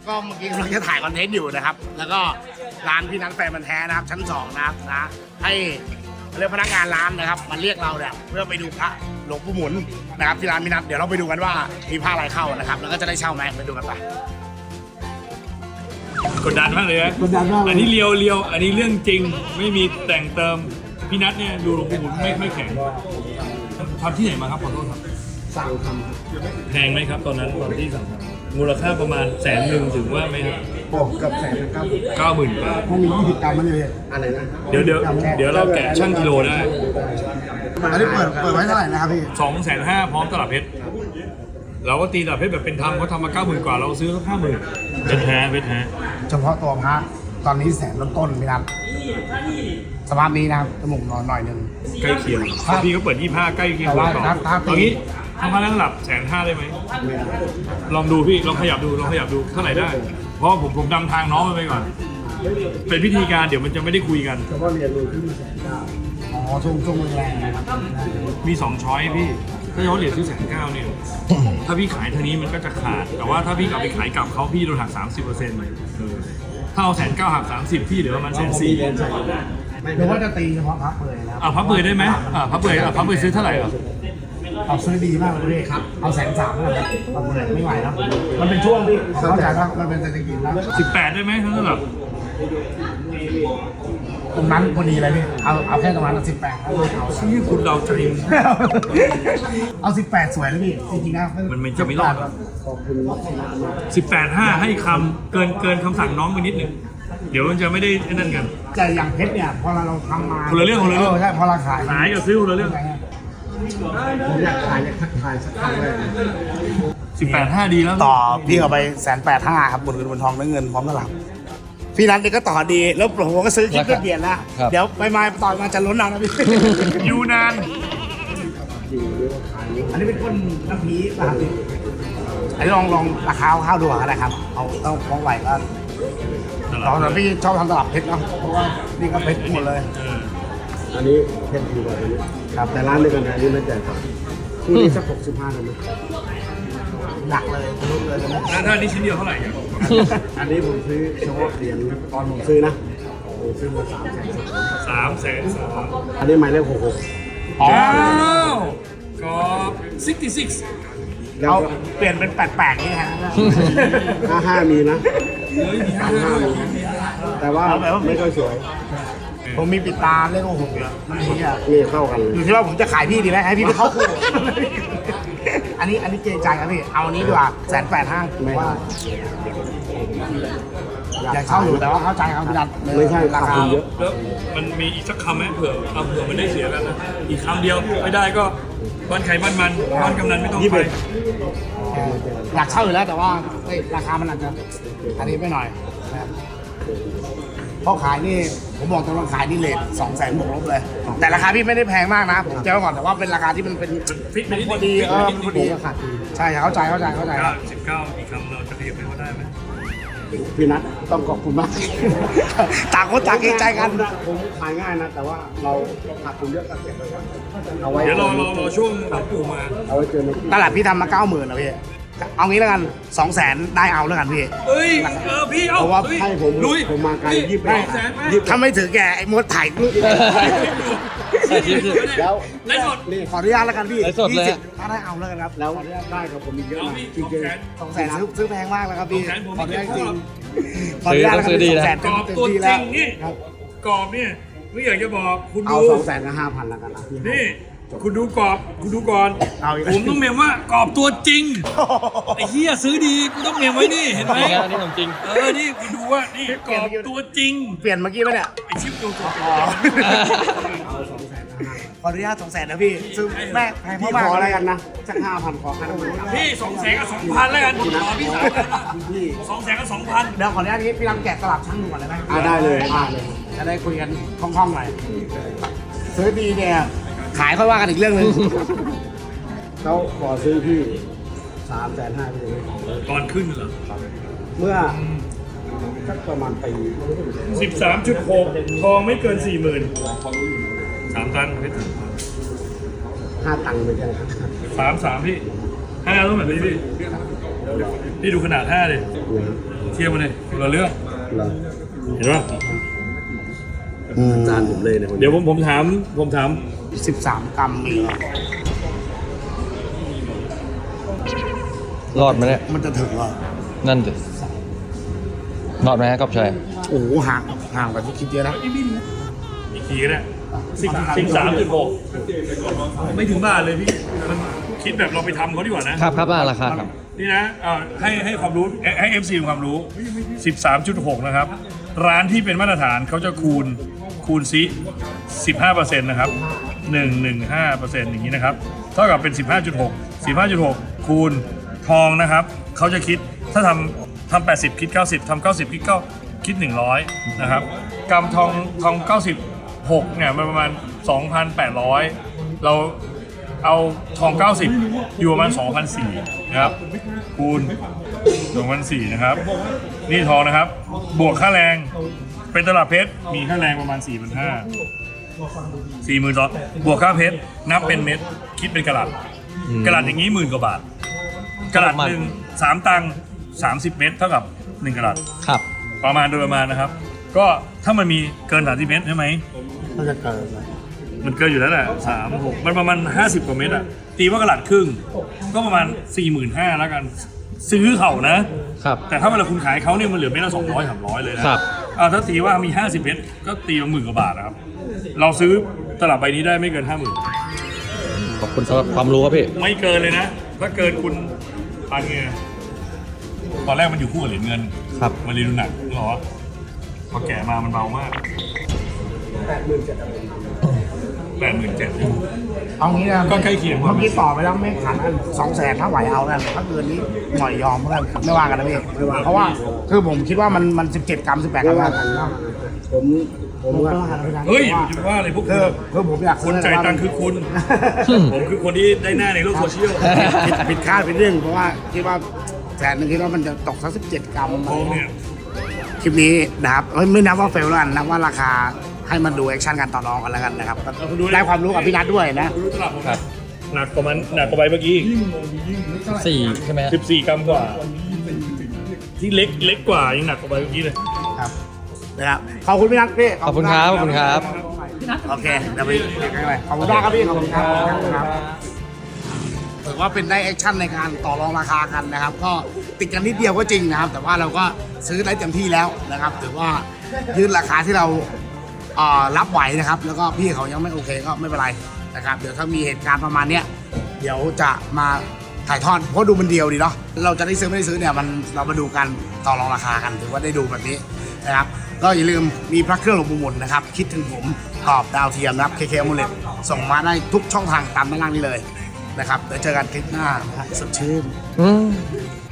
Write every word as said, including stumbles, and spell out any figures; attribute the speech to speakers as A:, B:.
A: ก็เมื่อกี้เราจะถ่ายคอนเทนต์อยู่นะครับแล้วก็ร้านพี่นัทแฟนมันแท้นะครับชั้นสองนะครับนะให้เรียกพนักงานร้านนะครับมาเรียกเราเนี่ยเพื่อไปดูพระหลวงปู่หมุนนะครับที่ร้านพี่นัทเดี๋ยวเราไปดูกันว่ามีผ้าอะไรเข้านะครับแล้วก็จะได้เช่าไหมไปดูกันไป
B: กดดันมากเลยนะ
A: กดดันมากเลย
B: อันนี้เลียวเลียวอันนี้เรื่องจริงไม่มีแต่งเติมพี่นัทเนี่ยดูหลวงปู่หมุนไม่ไม่แข็งทำที่ไหนมาครับขอโทษครับ
A: สั่งทำ
B: แพงไหมครับตอนนั้นตอนที่สั่งทำมูลค่าประมาณแสนหนึ่งถึงว่าไหมครับ
A: โอ้เกือบแสนนะครับ
B: เก้าหมื่นบาท
A: พวกมียี่สิบกรัมมันเลยอะไรนะ
B: เดี๋ยวเดี๋ยวเดี๋ยวเราแกะช่างกิโลได้
A: อันนี้เปิดเปิดไว้เท่าไหร่นะครับพี่
B: สองแสนห้าพร้อมตลับเพชรเราก็ตีตลับเพชรแบบเป็นธรรมเขาทำมาเก้าหมื่นกว่าเราซื้อห้าหมื่นเป็นแท้เป็นแท้
A: เฉพาะตัวพระตอนนี้แสนต้นๆพี่นัทสภาพนี้นะครับจมูกนอนหน่อยหนึง
B: ใกล้เคียงพี่ก็เปิดยี่ห้าใกล้เคียง
A: แต่ว่า
B: ต่อ
A: ถ้าถ้า
B: ตอนนี้ทำมาแล้วหลับแสนห้าได้ไหมลองดูพี่ลองขยับดูลองขยับดูเท่าไหร่ได้ เพราะผมผมนำทางน้องไปก่อน เป็นพิธีการเดี๋ยวมันจะไม่ได้คุยกัน
A: เฉพาะเรียนรู้ขึ้นมาแสนเก้าอ๋อช่วงช่วงแรงนะครับ
B: มีสองช้อยพี่ ถ้าเขาเหรียญซื้อแสนเก้าเนี่ย ถ้าพี่ขายทางนี้มันก็จะขาด แต่ว่าถ้าพี่กลับไปขายกลับเขาพี่โดนหักสามสิบเปอร์เซ็นต์ถ้าเอาแสนเก้าหักสามสิบพี่เหลือประมาณแสนสี่
A: หรือว่าจะตีเฉพาะพับเปลือยนะครับ
B: อ่ะพับเปลือยได้ไหมอ่ะพับเปลือยอ่ะพับเปลือยซื้อเท่าไหร่อ่ะ
A: เอาซื้อดีมากเลยครับเอาแสนสามแล้วครับพับเปลือยไม่ไหวแล้วมันเป็นช่วงที่เข้าใจว่ามันเป็นเศรษฐกิจแล้ว
B: สิบแปดได้ไหมทั้งนั้นหรอ
A: ตรงนั้นพอดีเลยพี่เอาเอาแค่ประมาณสิบแปดเอาเอา
B: ชื่อคุณเราใจ
A: เอาสิบแปดสวยเลยพี่จริงๆนะ
B: มันไม่จะไม่รอด
A: ขอบคุณ
B: สิบแปดห้าให้คำเกินเกินคำสั่งน้องไปนิดหนึ่งเดี๋ยวมันจะไม่ได้ไอ้นั่นกัน
A: แต่อย่างเพชรเนี่ยพอเราทำมา
B: คนละเรื่องคนละเรื่อง
A: ใช่พอเราขาย
B: ขายกับซื้อคนละเรื่อง
A: ผมอยากขายอยากทักทายสักครั้งเลย
B: สิบแปดห้าดีแล้ว
A: ต่อพี่เอาไปแสนแปดห้าครับบนเงินบนทองและเงินพร้อมตลับพี่นัทเนี่ยก็ต่อดีแล้วผมก็ซื้อคลิปเปลี่ยนแล้วเดี๋ยวไปมาต่อยมาจะล้นเอานะพี่
B: อยู่นาน
A: อันนี้เป็นก้นน้ำพีนะครับพี่อันนี้ลองลองราคาข้าวดูก็ได้ครับเอาต้องฟ้องไหวก็ลองแต่พี่ชอบทำตลับเพชรเนาะเพราะว่านี่ก็เพชรหมดเลย
C: อันนี้เพชรดีกว่าอันนี้ครับแต่ร้านเดียวกันอันนี้ไม่จ่ายครับคู่นี้สักหกสิบห้าเลยไหม
A: หนักเลยรู้เลยนะ
B: แล้วถ้านี้ชิ้นเดียวเท่าไหร่อ่ะ
C: อันนี้ผมซื้อเฉพาะเหรียญตอนผมซื้อนะผมซื้อมาสามแสน
B: สามแสนสาม
C: อันนี้หมายเลขหกหก
A: อ๋อ
B: วก็ซิกตี้ซิก
C: แล้ว
A: เอา
C: ก็
A: เปลี่ยนเป็นแปลกๆนี่ฮะ
C: ห้าห้ามีนะ
B: เฮ้ยมีห้า
C: ห้ามีแต่ว่าไม่ค่อยสวย
A: ผมมีปิดตาเลขหกเยอะมันนี้อ่ะ
C: นี่เข้ากันเลย
A: อยู่ที่ว่าผมจะขายพี่ดีไหมให้พี่ไปเข้าคู่ อันนี้อันนี้เกรงใจครับพี่ เอาอันนี้ดีกว่าแสนแปดห้าว่าอยากเช่าอยู่แต่ว่าเข้าใจครับพี่นัท
C: ไม่ใช่
A: รา
C: ขาด
A: คา
C: ทุนเยอะ
B: แล้วมันมีอีกสักคำไหมเผื่อเอาเผื่อมันได้เสียกันนะอีกคำเดียวไม่ได้ก็บ้านไข่บ้านมันบ้านกำนันไม่ต้องไป
A: อยากเช่าอยู่แล้วแต่ว่าเฮ้ยราคามันอาจจะอันนี้ไม่หน่อยนะครับเพราะขายนี่ผมบอกตรงว่าขายนี่เลทสองแสนบวกลบเลย แต่ราคาพี่ไม่ได้แพงมากนะผมแจ้งไว้ก่อนแต่ว่าเป็นราคาที่มันเป็น
B: ฟิตไปนิด
A: พ
B: นึ
A: อง ดีเออพอดี
C: ขาดทุน
A: ใช่เข้าใจเข้าใจเข้าใจ
B: เก้าสิบเก้าอีกคำเราจะขยับไปเขาได้ไหม
C: พี่นัทต้องขอบคุณมาก
A: ต่างคนต่างเกรงใจกัน
C: ผมขายง่ายนะ แต่ว่าเราขาดทุนเยอะก็เก็บไว้ก่อนเอาไว้
B: เดี๋ยวรอรอรอช่วงหลวงปู่มา
C: เอาไว้เจอในที่
A: ตลาดพี่ทำมาเก้าหมื่นนะพี่เอางี้แล้วกันสองแสนได้เอาแล้วกันพี่
B: เอ้ยเออพี่เอา
A: เพราะว่า
B: เฮ้ย
C: ให้ผม
B: ลุย
C: ผมมาไกลยี่สิบ
B: สองแสนไหม
A: ถ้าไม่ถือแกไอ้มดถ่ายรูป
C: แล้ว
B: ไลฟ์สด
C: นี่
A: ขออนุญาตแล้วกันพี่
D: ไลฟ์สดเลย
A: ยี่สิบถ้าได้เอาแล้วกันครับ
C: แล้วได้กับผมอีกเยอะ
B: เอา
C: นะ
B: พี่
C: จริง
B: สองแสน
A: สองแสนซื้อซื้อแพงมากแล้วครับพี่
B: สองแสนผม
A: ขออนุญาตจริง
B: ไม่
A: ขออนุญาตแล้วกัน
D: ซื้อดี
A: สอง
D: นะ
A: แสน
B: กรอบ
A: เต็ม
B: ตัว
A: ที่
B: จ
A: แล้
B: ริ
A: ว
B: งนี่
A: ครับ
B: กรอบเนี่ยไม่อยากจะบอกคุณ
C: เอา
B: ดู
C: สองแสนกับห้าพันแล้วกันนะพี่
B: นี่คุณดูกรอบคุณดูก่อน
A: เอาอีก
B: ผมต้องเมมว่ากรอบตัวจริงไอ้เหี้ยซื้อดีกูต้องเมมไว้นี่เห็นไหม
D: งานนี้ของจริง
B: เออนี่คุณดูว่านี่กรอบตัวจริง
A: เปลี่ยนเมื่อกี้ไหมเนี่ย
B: ไอ้ชิปดูกรอบ
A: อ๋อขออนุญาตสองแสนนะพี่ซื้อแม่แพง
C: พี่
A: มาก
C: ขออะไร
A: ๆ
C: กันนะสักห้าพันขอให้ทั้งหมด
B: พี่สองแสนกับสองพันแล้วกันขอพี่สามพันนะ
C: พี่
B: สองแสนกับสองพัน
A: เดี๋ยวขออนุญาตนี้พี่ลำแกะตลับช่างดูก่อนได้ไหม
C: อ่าได้เลยได้เลย
A: จะได้คุยกันคล่องๆหน่อยซื้อดีเนี่ยขายค่อยว่ากันอีกเรื่องหนึง
C: เขาขอซื้อพี่สามแสนห้าพี่เลย
B: ตอนขึ้นเหรอ
C: เมื่อสักประมาณปี
B: สิบสามจุดหกทองไม่เกินสี่หมื่นสามตันเพชร
C: ห้าตังค์ไปกันครับ
B: สามสามพี่ห้าต้องแบบนี้พี่พี่ดูขนาดห้าเลย
C: เหรอ
B: เทียบมาเลยคนละเรื่อง
C: เหรอ
B: เห็นป่ะ
C: จานผมเลยเนี่ยคนนี้
B: เดี๋ยวผมผมถามผมถาม
A: สิบสามกรัมมีเหรอ
D: รอดไหมเนี่ย
A: มันจะถึงเหรอ
D: นั่นดิรอดไหมฮะกอบชัย
A: โอ้โหห่างห่างกว่าที่คิดเยอะนะ
B: อีกทีก็ได้สิบสิบสามจุดหกไม่ถึงบาทเลยพี่มันคิดแบบเราไปทำเขาดีกว่านะครับ
D: ครับอ่ะราคาครับ
B: นี่นะเอ่อให้ให้ความรู้ให้ เอฟ ซี ความรู้ สิบสามจุดหก นะครับ ร้านที่เป็นมาตรฐานเขาจะคูณคูณซิ สิบห้าเปอร์เซ็นต์ นะครับ หนึ่งร้อยสิบห้าเปอร์เซ็นต์ อย่างนี้นะครับ เท่ากับเป็น สิบห้าจุดหก สิบห้าจุดหก คูณทองนะครับเขาจะคิดถ้าทำทำแปดสิบคิดเก้าสิบทำเก้าสิบคิดเก้าคิดหนึ่งร้อยนะครับกำทองทองเก้าสิบหกเนี่ยมันประมาณ สองพันแปดร้อย เราเอาทองเก้าสิบอยู่ประมาณ สองพันสี่ร้อย นะครับคูณ สองพันสี่ร้อย นะครับนี่ทองนะครับบวกค่าแรงเป็นตลับเพชรมีค่าแรงประมาณ สี่พันห้าร้อย สี่หมื่นสองบวกค่าเพชรนับเป็นเม็ดคิดเป็นกะรัตกะรัตอย่างนี้หมื่นกว่าบาทกะรัตหนึ่งสามตังค์สามสิบเม็ดเท่ากับหนึ่งกะรัต
D: ครับ
B: ประมาณโดยประมาณนะครับ ก็ถ้ามันมีเกินสามสิบเม็ดใช่ไหม
A: มันจะเกิดไหม
B: มันเกินอยู่แล้วแหละสามหกมันประมาณห้าสิบกว่าเม็ดอะตีว่ากะรัตครึ่งก็ประมาณสี่หมื่นห้าแล้วกันซื้อเขานะ
D: ครับ
B: แต่ถ้าเวลาคุณขายเขาเนี่ยมันเหลือเม็ดละสองร้อยสามร้อยเลยนะครับ อ่าถ้าตีว่ามีห้าสิบเม็ดก็ตีมาหมื่นกว่าบาทนะครับเราซื้อตลับใบนี้ได้ไม่เกินห้าหมื่น
D: ขอบคุณสำหรับความรู้ครับพี่
B: ไม่เกินเลยนะ ถ้าเกินคุณปันไงตอนแรกมันอยู่คู่กับเหรียญเงิน
D: ครับ
B: มันเลยดูหนักเหรอพอแก่มามันเบามากแปดหมื่นเจ็ดแปดหมื่นเจ็ด
A: เอางี้นะ
B: ก็ใกล้เคียง
A: เมื่อกี้ต่อไปแล้วไม่ขันสองแสนถ้าไหวเอากันถ้าเกินนี้หน่อยยอมเพื่อนไม่ว่ากันนะพี่เพราะว่าคือผมคิดว่ามันมันสิบเจ็ดกรัมสิบแปดกรัมแล้ว
C: ผมผมว่า
B: เฮ้ยจะว่าอะไรพวกคุ
A: คื
B: ณ
A: อคือผมอยาก
B: คนจ่ายตังค์คือคุณ ผมคือคนที่ได้หน้าในโลกโซเชียล
A: ผิดผิดคาดเป็นเรื่องเพราะว่าคิดว่าแสนหนึงคิดว่ามันจะตกสักสิบเจ็ดกรัม
B: ทองเนี่ย
A: คลิปนี้นะครับเอ้ยไม่นับว่าเฟลแล้วกันนับว่าราคาให้มันดูแอคชั่นกันต่อรองกันแล้วกันนะครับได้ความรู้กับพี่นัทด้วยนะ
B: รู้ตลับผมหนักกว่ามันหนักกว่าใบเมื่อกี้
D: สี่ใช่ไหม
B: สิบสี่กรัมกว่า ที่เล็กเล็กกว่ายังหนักกว่าใบเมื่อกี้เลย
A: ครับนะครับขอบคุณพี่นัทพี่
D: ขอบคุณครับ ขอบคุณครับ
A: โอเคเดี๋ยวไปเรียกกันไปขอบคุณมากครับพี่ขอบคุณครับขอบคุณครับถือว่าเป็นได้แอคชั่นในการต่อรองราคากันนะครับ ก็ติดกันนิดเดียวก็จริงนะครับ แต่ว่าเราก็ซื้อได้เต็มที่แล้วนะครับถือว่ายืนราคาที่เราเอ่อรับไหวนะครับ แล้วก็พี่เขายังไม่โอเคก็ไม่เป็นไรนะครับ เดี๋ยวถ้ามีเหตุการณ์ประมาณเนี้ยเดี๋ยวจะมาถ่ายทอดเพราะดูมันเดียวดีเนาะเราจะได้ซื้อไม่ได้ซื้อเนี่ยมันเรามาดูกันต่อรองราคากันถือว่าได้ดูแบบนี้นะครับ ก็อย่าลืมมีพระเครื่องหลวงปู่หมุนนะครับ คิดถึงผมตอบดาวเทียมนะครับ เค เค Amulet ส่งมาได้ทุกช่องทางตามด้านล่างนี้เลยนะครับเดี๋ยวเจอกันคลิปหน้านะฮะสดชื่น
D: อืม